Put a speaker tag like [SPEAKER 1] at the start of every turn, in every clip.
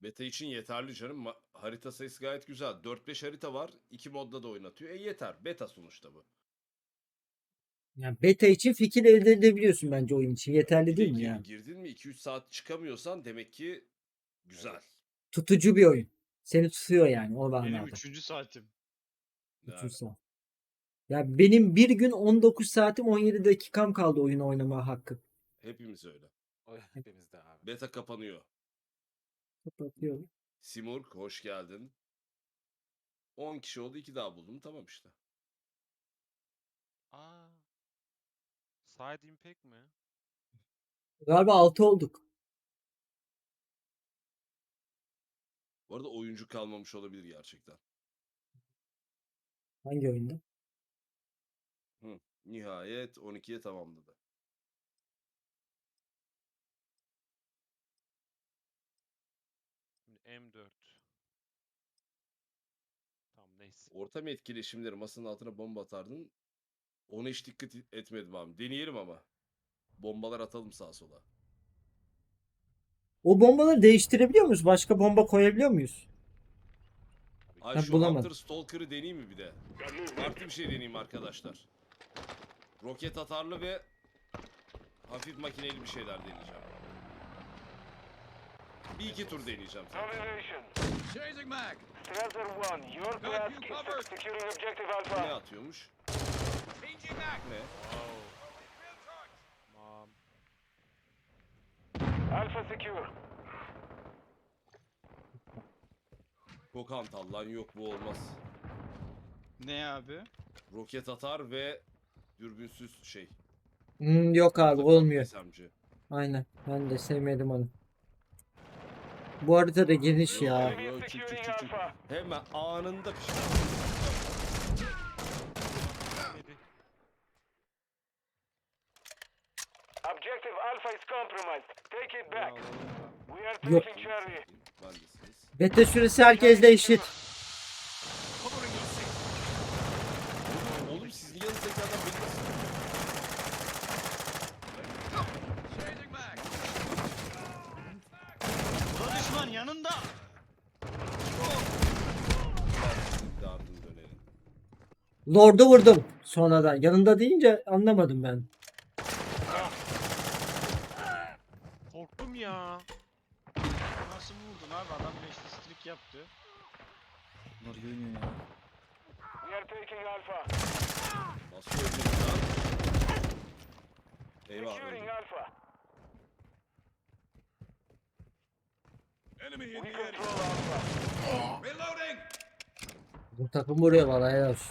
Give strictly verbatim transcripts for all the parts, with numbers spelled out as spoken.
[SPEAKER 1] Beta için yeterli canım. Ma- harita sayısı gayet güzel. dört beş harita var. iki modda da oynatıyor. E yeter. Beta sonuçta bu.
[SPEAKER 2] Yani beta için fikir elde edebiliyorsun bence oyun için. Yeterli
[SPEAKER 1] Bir de
[SPEAKER 2] değil mi
[SPEAKER 1] gir-
[SPEAKER 2] yani?
[SPEAKER 1] girdin mi iki üç saat çıkamıyorsan demek ki güzel.
[SPEAKER 2] Tutucu bir oyun. Seni tutuyor yani o
[SPEAKER 3] Benim
[SPEAKER 2] manada.
[SPEAKER 3] üçüncü saatim.
[SPEAKER 1] Yani,
[SPEAKER 2] üç yüz saat. Ya benim bir gün on dokuz saatim on yedi dakikam kaldı oyunu oynama hakkı.
[SPEAKER 1] hepimiz öyle.
[SPEAKER 4] O hepimizde abi.
[SPEAKER 1] Beta kapanıyor.
[SPEAKER 2] Kapatıyorum.
[SPEAKER 1] Simurg hoş geldin. on kişi oldu, iki daha buldum. Tamam işte.
[SPEAKER 4] Aa. Side impact mi?
[SPEAKER 2] Galiba altı olduk.
[SPEAKER 1] Bu arada oyuncu kalmamış olabilir gerçekten.
[SPEAKER 2] Hangi oyunda?
[SPEAKER 1] Hı. Nihayet on ikiye tamamladı.
[SPEAKER 4] Şimdi M dört. Tamam neyse.
[SPEAKER 1] Ortam etkileşimleri masanın altına bomba atardın. Ona hiç dikkat etmedim abi. Deneyelim ama. Bombalar atalım sağa sola.
[SPEAKER 2] O bombaları değiştirebiliyor muyuz? Başka bomba koyabiliyor muyuz?
[SPEAKER 4] Tabii ki.
[SPEAKER 1] Ay
[SPEAKER 2] Ben
[SPEAKER 1] şu
[SPEAKER 2] bulamadım.
[SPEAKER 1] Hunter Stalker'ı deneyeyim mi bir de? Farklı bir şey deneyeyim arkadaşlar. Roket atarlı ve hafif makineli bir şeyler deneyeceğim. Bir iki tur deneyeceğim zaten.
[SPEAKER 5] Domination.
[SPEAKER 6] Changing mag.
[SPEAKER 5] Strider one, your
[SPEAKER 6] Got
[SPEAKER 5] task
[SPEAKER 6] you
[SPEAKER 5] is
[SPEAKER 6] covered.
[SPEAKER 5] securing objective
[SPEAKER 1] Ne
[SPEAKER 5] Alpha.
[SPEAKER 1] atıyormuş?
[SPEAKER 6] Changing mag.
[SPEAKER 1] Ne?
[SPEAKER 4] Wow. Tamam.
[SPEAKER 5] Alpha secure.
[SPEAKER 1] Çok hantal lan, yok bu olmaz.
[SPEAKER 3] Ne abi?
[SPEAKER 1] Roket atar ve dürbünsüz şey.
[SPEAKER 2] Hmm, yok abi
[SPEAKER 1] Takım
[SPEAKER 2] olmuyor.
[SPEAKER 1] S M G.
[SPEAKER 2] Aynen. Ben de sevmedim onu. Bu harita da geniş ya.
[SPEAKER 1] Yo, yo, çık, çık, çık, çık. Hemen anında pişman.
[SPEAKER 4] Hadi.
[SPEAKER 5] Objective Alpha is compromised. Take it back. We are
[SPEAKER 2] Yok.
[SPEAKER 5] taking Charlie.
[SPEAKER 1] Bendesiniz.
[SPEAKER 2] Beta süresi herkesle eşit.
[SPEAKER 1] Oğlum, oğlum sizin yanınızdaki adam beni nasıl...
[SPEAKER 6] Changing mag.
[SPEAKER 3] Bu da düşman yanında.
[SPEAKER 1] Dardın dönelim.
[SPEAKER 2] Lord'u vurdum sonradan. Yanında deyince anlamadım ben.
[SPEAKER 4] Korktum ya.
[SPEAKER 3] Nasıl vurdun abi? Adam beşli streak yaptı.
[SPEAKER 6] Bunlar görünüyor ya.
[SPEAKER 5] We are taking Alpha.
[SPEAKER 1] Nasıl öldün lan? Eyvah
[SPEAKER 5] Securing
[SPEAKER 1] öldüm.
[SPEAKER 5] Alpha.
[SPEAKER 6] Enemy in
[SPEAKER 5] We
[SPEAKER 6] the area.
[SPEAKER 5] control Alpha.
[SPEAKER 6] Reloading.
[SPEAKER 2] Bu takım vuruyor valla helal olsun.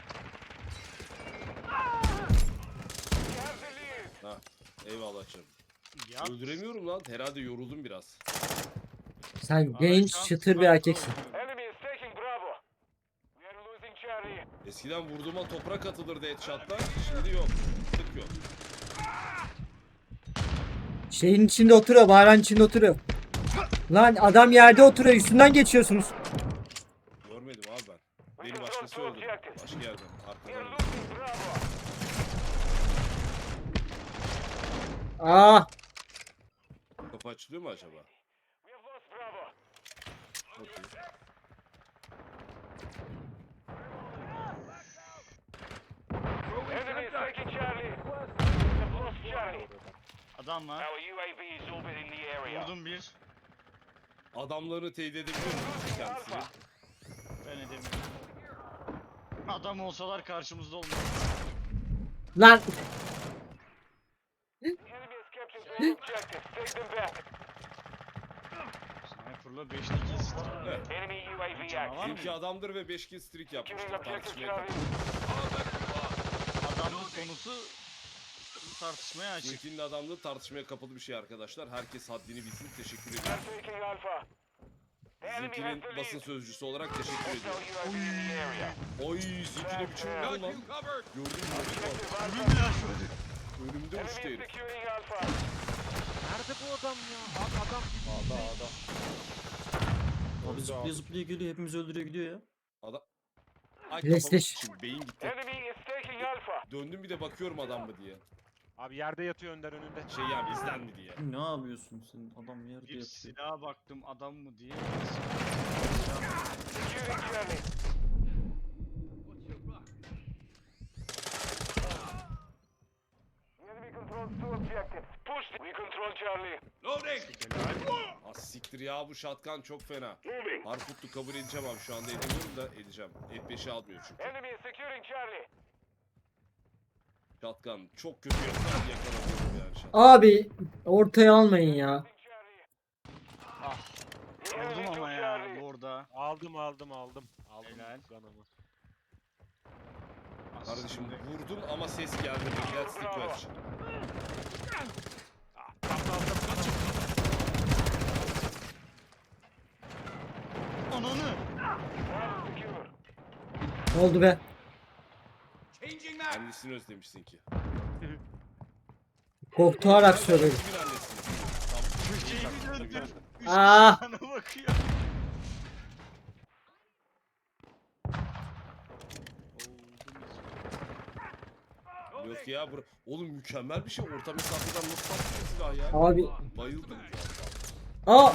[SPEAKER 5] We have the lead.
[SPEAKER 1] Ha, eyvallah canım.
[SPEAKER 3] Ya.
[SPEAKER 1] Öldüremiyorum lan. Herhalde yoruldum biraz.
[SPEAKER 2] Sen
[SPEAKER 3] Abi
[SPEAKER 2] genç
[SPEAKER 3] şu an
[SPEAKER 2] çıtır bir
[SPEAKER 3] sniper
[SPEAKER 2] erkeksin.
[SPEAKER 3] oynuyorum.
[SPEAKER 5] Enemy is taking Bravo. We are losing Charlie.
[SPEAKER 1] Eskiden vurduğuma toprak atılırdı headshot'ta. Şimdi yok. Tık yok.
[SPEAKER 2] Şeyin içinde oturuyor, bağıran içinde oturuyor. Lan adam yerde oturuyor, üstünden geçiyorsunuz.
[SPEAKER 1] Görmedim abi ben.
[SPEAKER 5] We
[SPEAKER 1] Beni
[SPEAKER 5] control
[SPEAKER 1] başkası
[SPEAKER 5] two
[SPEAKER 1] öldürdü.
[SPEAKER 5] objectives.
[SPEAKER 1] Başka yerden.
[SPEAKER 5] We are
[SPEAKER 1] Arkadan. öldürdü.
[SPEAKER 5] losing Bravo.
[SPEAKER 2] Aa,
[SPEAKER 1] Kapı açılıyor mu acaba?
[SPEAKER 5] We have lost Bravo.
[SPEAKER 1] Okey.
[SPEAKER 5] Enemy is taking Charlie. We have lost Charlie.
[SPEAKER 3] Adam var.
[SPEAKER 5] Our U A V is orbiting the area.
[SPEAKER 3] Vurdum bir.
[SPEAKER 1] Adamlarını teyit edebiliyor musunuz kendisini?
[SPEAKER 5] Alpha.
[SPEAKER 3] Ben edemiyorum. Adam olsalar karşımızda olmuyor.
[SPEAKER 2] lan
[SPEAKER 5] The enemy has captured all objectives. Take them back.
[SPEAKER 3] Sniper'la beşli kill streak.
[SPEAKER 1] Evet.
[SPEAKER 5] Enemy U A V
[SPEAKER 3] Canavar
[SPEAKER 5] active.
[SPEAKER 3] mı?
[SPEAKER 1] Çünkü adamdır ve beş kill streak yapmıştır.
[SPEAKER 5] Securing objective
[SPEAKER 1] Tartışmaya
[SPEAKER 5] Charlie.
[SPEAKER 1] kapalı.
[SPEAKER 3] Adamlık konusu tartışmaya açık.
[SPEAKER 1] Sinkinin adamlığı tartışmaya kapalı bir şey arkadaşlar. Herkes haddini bilsin. Teşekkür
[SPEAKER 5] We
[SPEAKER 1] ediyorum.
[SPEAKER 5] are taking Alpha. The enemy has
[SPEAKER 1] Sinkinin
[SPEAKER 5] the
[SPEAKER 1] basın
[SPEAKER 5] lead.
[SPEAKER 1] sözcüsü olarak teşekkür
[SPEAKER 5] Hostile
[SPEAKER 1] ediyorum.
[SPEAKER 5] U A V in the area.
[SPEAKER 1] Oy, Sinkine biçim vurdun
[SPEAKER 6] Got
[SPEAKER 1] lan.
[SPEAKER 6] you covered.
[SPEAKER 1] Gördün mü?
[SPEAKER 5] Objective Alpha.
[SPEAKER 3] Ölüm ya şöyle.
[SPEAKER 1] Önümde
[SPEAKER 5] Enemy
[SPEAKER 1] uçtu
[SPEAKER 5] is
[SPEAKER 1] herif.
[SPEAKER 5] securing Alpha.
[SPEAKER 4] Nerede bu adam ya? Abi adam
[SPEAKER 7] Ağda ağda.
[SPEAKER 6] Abi zıplaya zıplaya geliyor. Hepimizi öldürüyor gidiyor ya.
[SPEAKER 1] Adam... Ay
[SPEAKER 2] PlayStation.
[SPEAKER 1] kafamı sıçayım, beyin gitti.
[SPEAKER 5] Enemy is taking Alpha.
[SPEAKER 1] Döndüm bir de bakıyorum adam mı diye.
[SPEAKER 4] Abi yerde yatıyor Önder önünde.
[SPEAKER 1] Şey ya bizden mi diye.
[SPEAKER 6] Ne yapıyorsun sen? Adam yerde
[SPEAKER 3] Bir
[SPEAKER 6] yatıyor.
[SPEAKER 3] silaha baktım adam mı diye.
[SPEAKER 5] Securing Charlie. Enemy controls two objectives. Push. We control Charlie.
[SPEAKER 1] Loading! Ah siktir ya bu shotgun çok fena.
[SPEAKER 5] Moving.
[SPEAKER 1] Harputlu kabul edeceğim abi şu anda edemiyorum da edeceğim. F beşi almıyor çünkü.
[SPEAKER 5] Enemy is securing Charlie.
[SPEAKER 1] Shotgun çok kötü yakalan yakalanıyorum yani shotgun.
[SPEAKER 2] Abi ortaya almayın ya.
[SPEAKER 5] Charlie.
[SPEAKER 3] Ah.
[SPEAKER 5] The enemy
[SPEAKER 3] Vurdum
[SPEAKER 5] took
[SPEAKER 3] ama ya
[SPEAKER 5] Charlie.
[SPEAKER 3] bu orada.
[SPEAKER 4] Aldım aldım aldım. Aldım
[SPEAKER 3] Helal.
[SPEAKER 4] kanamı.
[SPEAKER 1] Kardeşim
[SPEAKER 3] Aslında-
[SPEAKER 1] vurdun ama ses geldi. That's the question.
[SPEAKER 3] Ananı.
[SPEAKER 5] One secure.
[SPEAKER 2] Ne oldu be?
[SPEAKER 1] Annesini özlemişsin ki.
[SPEAKER 2] Korktuarak söyledim.
[SPEAKER 1] Kimin annesini? Tamam.
[SPEAKER 3] Köşeyi bir döndür. Üç
[SPEAKER 2] Ah!
[SPEAKER 3] kişi bana bakıyor.
[SPEAKER 1] Yok ya bura. Oğlum mükemmel bir şey. Orta mesafeden nasıl taktın silah ya?
[SPEAKER 2] Abi.
[SPEAKER 1] Bayıldım.
[SPEAKER 2] Aa!
[SPEAKER 5] We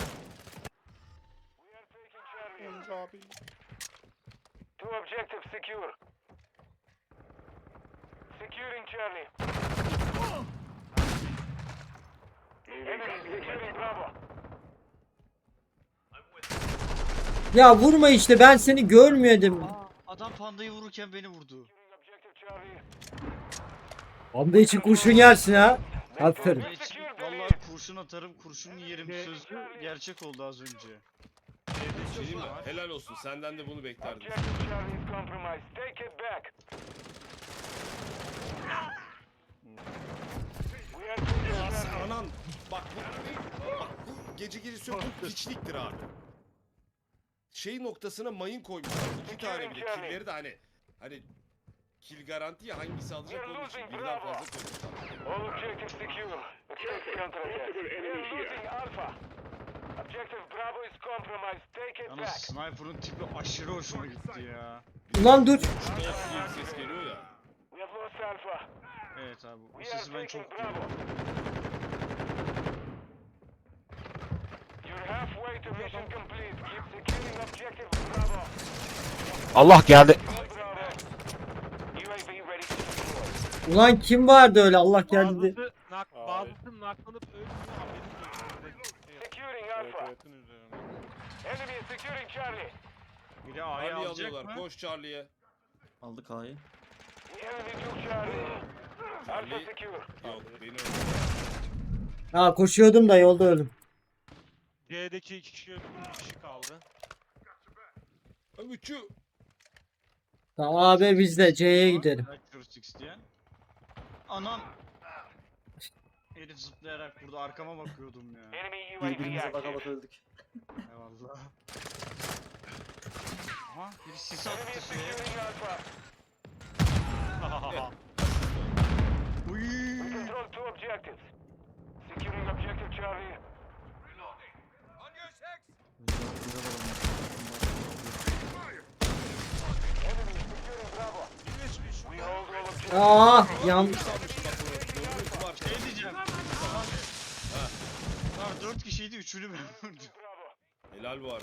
[SPEAKER 5] are taking Charlie. Two objectives secure. Securing Charlie. Enemy securing Bravo.
[SPEAKER 2] Ya vurma işte, ben seni görmüyordum.
[SPEAKER 3] Aa, adam pandayı vururken beni vurdu.
[SPEAKER 5] Securing objective Charlie.
[SPEAKER 2] Anda için kurşun yersin ha. Aferin.
[SPEAKER 3] Ben için vallahi kurşun atarım, kurşun yerim sözlü gerçek oldu az önce.
[SPEAKER 1] Şey mi? Helal olsun. Senden de bunu beklerdim.
[SPEAKER 5] Objective Charlie is compromised. Take it back. We are taking
[SPEAKER 1] Ya sen
[SPEAKER 5] Charlie.
[SPEAKER 1] anan. Bak bu, bak bu gece gecesi yok. Bu piçliktir abi. Şey noktasına mayın koymuşlar. İki tane bile. Killeri de hani hani kill garanti ya hangisi alacak onun için birden fazla koymuşlar.
[SPEAKER 5] All objectives secure. Expect counterattack. We are losing Alpha. Objective Bravo is compromised. Take it
[SPEAKER 3] Yalnız
[SPEAKER 5] back.
[SPEAKER 3] sniper'ın tipi aşırı hoşuma gitti ya.
[SPEAKER 2] Ulan dur.
[SPEAKER 1] Stop diye bir ses geliyor ya.
[SPEAKER 5] We have lost Alpha.
[SPEAKER 3] Evet abi bu
[SPEAKER 5] We are
[SPEAKER 3] sesi ben
[SPEAKER 5] taking
[SPEAKER 3] çok
[SPEAKER 5] Bravo.
[SPEAKER 3] duyuyorum.
[SPEAKER 5] You're halfway to mission complete. Keep securing objective Bravo.
[SPEAKER 4] Allah geldi.
[SPEAKER 5] Bravo. U A V ready to deploy.
[SPEAKER 2] Ulan kim vardı öyle, Allah geldi.
[SPEAKER 4] Bazısı, nak, bazısı naklanıp ölmüyor. Haberin yok.
[SPEAKER 5] Securing Alpha. Enemy is securing Charlie.
[SPEAKER 3] Biri A'yı
[SPEAKER 1] Charlie
[SPEAKER 3] alacak
[SPEAKER 1] alıyorlar.
[SPEAKER 3] mı?
[SPEAKER 1] Koş Charlie'ye.
[SPEAKER 6] Aldık A'yı.
[SPEAKER 5] The enemy took Charlie. Alpha
[SPEAKER 1] Charlie
[SPEAKER 5] secure.
[SPEAKER 1] yok beni öldürdü.
[SPEAKER 2] Ha koşuyordum da yolda öldüm.
[SPEAKER 4] C'deki iki kişi öldü, bir kişi kaldı.
[SPEAKER 1] Üçü.
[SPEAKER 2] Tamam abi biz de C'ye gidelim.
[SPEAKER 3] Accuracy isteyen. Anam. Herif zıplayarak burada arkama bakıyordum ya.
[SPEAKER 5] Enemy U A V
[SPEAKER 6] Birbirimize baka
[SPEAKER 5] active.
[SPEAKER 6] baka öldük.
[SPEAKER 3] Eyvallah. Aha biri sis
[SPEAKER 5] Enemy
[SPEAKER 3] attı
[SPEAKER 5] is
[SPEAKER 3] şeye.
[SPEAKER 5] securing Alpha.
[SPEAKER 3] Uy.
[SPEAKER 5] We control two objectives. Securing objective Charlie.
[SPEAKER 6] Güzel, güzel
[SPEAKER 5] Enemy is securing Bravo. We hold all objectives.
[SPEAKER 2] Aa yan.
[SPEAKER 3] Şey diyeceğim. Aha. Var dört kişiydi üçünü ben vurdum.
[SPEAKER 5] Bravo.
[SPEAKER 1] Helal bu arada.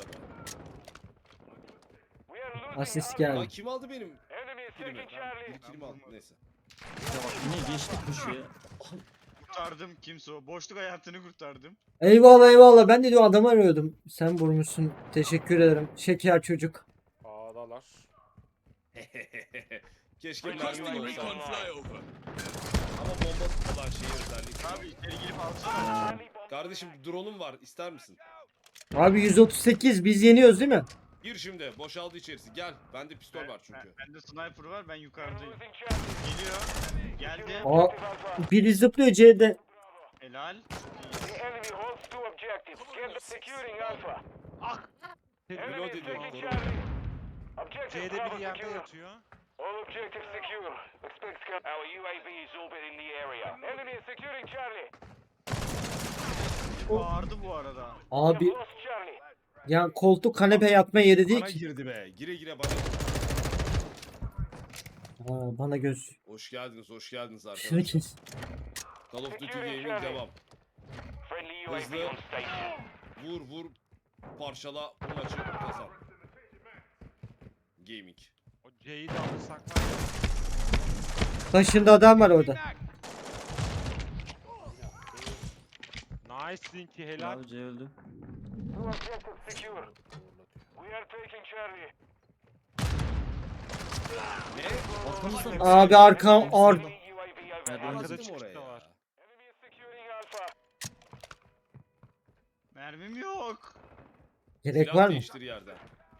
[SPEAKER 5] We are losing
[SPEAKER 2] Asist
[SPEAKER 5] Alpha.
[SPEAKER 1] Lan
[SPEAKER 2] geldi.
[SPEAKER 1] kim aldı benim
[SPEAKER 5] Enemy is
[SPEAKER 1] kilimi?
[SPEAKER 5] taking Charlie.
[SPEAKER 1] Bir kilimi aldı neyse.
[SPEAKER 6] Ya bak yine geçtik bu şeye.
[SPEAKER 3] Kurtardım kimse o. Boşluk hayatını kurtardım.
[SPEAKER 2] Eyvallah eyvallah, ben de diyor adamı arıyordum. Sen vurmuşsun. Teşekkür ederim. Şeker çocuk.
[SPEAKER 4] A'dalar.
[SPEAKER 1] Keşke mermi olsaydı. Ama bomba tutulan şey özellikle.
[SPEAKER 3] Abi içeri girip alsana.
[SPEAKER 5] Charlie bomb.
[SPEAKER 1] Kardeşim drone'um var ister misin?
[SPEAKER 2] Abi yüz otuz sekiz biz yeniyoruz değil mi?
[SPEAKER 1] Gir şimdi boşaldı içerisi gel. Bende pistol var
[SPEAKER 3] Ben,
[SPEAKER 1] çünkü.
[SPEAKER 3] bende sniper var ben
[SPEAKER 5] We are
[SPEAKER 3] yukarıdayım.
[SPEAKER 5] losing Charlie.
[SPEAKER 3] Geliyor. Geldi.
[SPEAKER 2] Aa,
[SPEAKER 5] Objective Alpha.
[SPEAKER 2] biri zıplıyor C'de.
[SPEAKER 3] Helal.
[SPEAKER 5] The enemy holds two objectives. Get securing Alpha. Enemy
[SPEAKER 1] Reload
[SPEAKER 5] is
[SPEAKER 1] ediyorum
[SPEAKER 5] taking
[SPEAKER 1] koru.
[SPEAKER 5] Charlie. Objective
[SPEAKER 4] C'de
[SPEAKER 5] Bravo
[SPEAKER 4] bir yerde
[SPEAKER 5] secure.
[SPEAKER 4] yatıyor.
[SPEAKER 5] All objectives secure. Expect scout. Our U A V is orbiting the area. Enemy is securing Charlie.
[SPEAKER 3] Bağırdı bu arada.
[SPEAKER 5] We
[SPEAKER 2] Abi
[SPEAKER 5] have lost Charlie.
[SPEAKER 2] ya koltuk kanepe yatma yeri değil
[SPEAKER 1] Bana
[SPEAKER 2] ki.
[SPEAKER 1] girdi be. Gire gire bana.
[SPEAKER 2] Aa, bana göz.
[SPEAKER 1] Hoş geldiniz, hoş geldiniz
[SPEAKER 2] Şunu
[SPEAKER 1] arkadaşlar.
[SPEAKER 2] kes.
[SPEAKER 1] Call of Duty Gaming devam.
[SPEAKER 5] Friendly U A V
[SPEAKER 1] Hızlı.
[SPEAKER 5] on station.
[SPEAKER 1] Vur vur, parçala, bu maçı kazan. Gaming.
[SPEAKER 4] O C'yi de alırsak var ya.
[SPEAKER 2] Taşında adam var orada.
[SPEAKER 4] Nice Zinki helal.
[SPEAKER 6] Abi C öldü.
[SPEAKER 5] Two objectives secure. We are taking Charlie.
[SPEAKER 1] Ne?
[SPEAKER 6] Arkamızda.
[SPEAKER 2] Abi arkam ar
[SPEAKER 5] Friendly U A V
[SPEAKER 6] Nerede?
[SPEAKER 5] overhead.
[SPEAKER 4] Arkada
[SPEAKER 1] Bastım
[SPEAKER 4] çıkış
[SPEAKER 1] oraya
[SPEAKER 4] da
[SPEAKER 1] ya.
[SPEAKER 4] var.
[SPEAKER 5] Enemy is securing Alpha.
[SPEAKER 3] Mermim yok.
[SPEAKER 2] gerek
[SPEAKER 1] Silah
[SPEAKER 2] var mı?
[SPEAKER 1] değiştir yerden.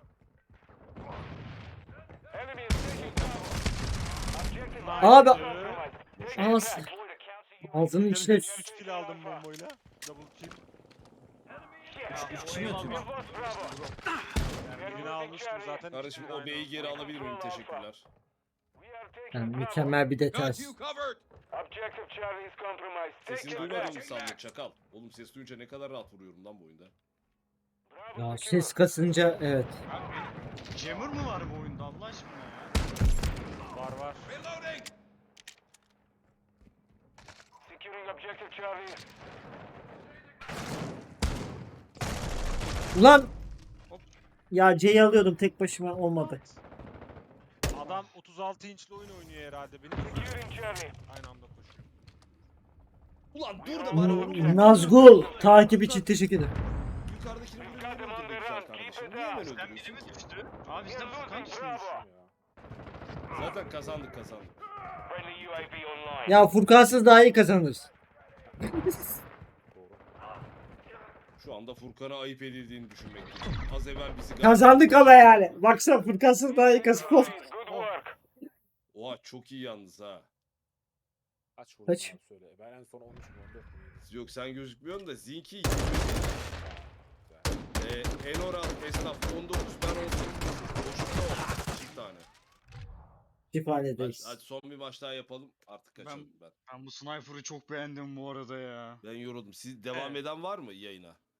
[SPEAKER 5] Enemy is taking Bravo. Objective
[SPEAKER 2] Abi-
[SPEAKER 5] compromised. Take it
[SPEAKER 2] Ağız-
[SPEAKER 5] back.
[SPEAKER 2] Ağzının içine
[SPEAKER 4] üç kill aldım bombayla. Double kill.
[SPEAKER 6] Üç kişi mi
[SPEAKER 5] We've
[SPEAKER 6] atıyor?
[SPEAKER 5] lost Bravo.
[SPEAKER 4] Yani birini almıştım zaten.
[SPEAKER 1] Kardeşim
[SPEAKER 4] ikisini
[SPEAKER 1] o
[SPEAKER 4] aynı
[SPEAKER 1] B'yi geri
[SPEAKER 4] anda.
[SPEAKER 1] alabilir miyim? Teşekkürler.
[SPEAKER 5] We are taking
[SPEAKER 2] Yani
[SPEAKER 5] Bravo.
[SPEAKER 2] mükemmel bir detay.
[SPEAKER 5] Objective Charlie is compromised. Take
[SPEAKER 1] Sesini
[SPEAKER 5] it
[SPEAKER 1] duymadın mı
[SPEAKER 5] back.
[SPEAKER 1] sandın çakal? Oğlum ses duyunca ne kadar rahat vuruyorum lan bu oyunda.
[SPEAKER 5] Bravo
[SPEAKER 2] Ya
[SPEAKER 5] secure.
[SPEAKER 2] ses kasınca evet.
[SPEAKER 3] Jammer mı var bu oyunda Allah aşkına ya?
[SPEAKER 4] Var var.
[SPEAKER 5] Securing objective Charlie.
[SPEAKER 2] Ulan ya C'yi alıyordum tek başıma olmadı.
[SPEAKER 4] Adam otuz altı inçli oyun oynuyor herhalde. Benim
[SPEAKER 5] Securing Charlie.
[SPEAKER 4] aynı anda koşuyor.
[SPEAKER 1] Ulan dur da bana vur.
[SPEAKER 2] Hmm, Nazgul takip için teşekkür ederim.
[SPEAKER 1] Yukarıdakini vuruyor.
[SPEAKER 5] Got him on the run. Keep it
[SPEAKER 1] Niye hemen
[SPEAKER 5] up.
[SPEAKER 3] Sen biri
[SPEAKER 1] öldürüyorsun?
[SPEAKER 3] mi düştü? Abi
[SPEAKER 5] We
[SPEAKER 3] bizden
[SPEAKER 5] are
[SPEAKER 3] Furkan
[SPEAKER 5] losing
[SPEAKER 3] düşmüş.
[SPEAKER 5] Bravo.
[SPEAKER 1] Zaten kazandık kazandık.
[SPEAKER 5] Friendly U A V online.
[SPEAKER 2] Ya Furkansız daha iyi kazanırız.
[SPEAKER 1] Şu anda Furkan'a ayıp edildiğini düşünmekteyim. Az evvel bizi...
[SPEAKER 2] Kazandık ama yani. Baksana Furkansız daha iyi kazandık.
[SPEAKER 5] Good work.
[SPEAKER 1] Oha çok iyi yalnız ha.
[SPEAKER 7] Kaç vurdun
[SPEAKER 2] Kaç?
[SPEAKER 7] abi söyle. Ben en son on üç mü on dört mü yedi?
[SPEAKER 1] Yok sen gözükmüyorsun da Zinki ee, Enora esnaf on dokuz ben on sekiz. Boşlukta oldu. Çift tane. Hadi,
[SPEAKER 2] Şifanedeyiz.
[SPEAKER 1] hadi son bir maç daha yapalım. Artık
[SPEAKER 3] Ben-
[SPEAKER 1] kaçalım ben.
[SPEAKER 3] Ben bu sniper'ı çok beğendim bu arada ya.
[SPEAKER 1] Ben yoruldum. Siz devam
[SPEAKER 3] Evet.
[SPEAKER 1] eden var mı yayına?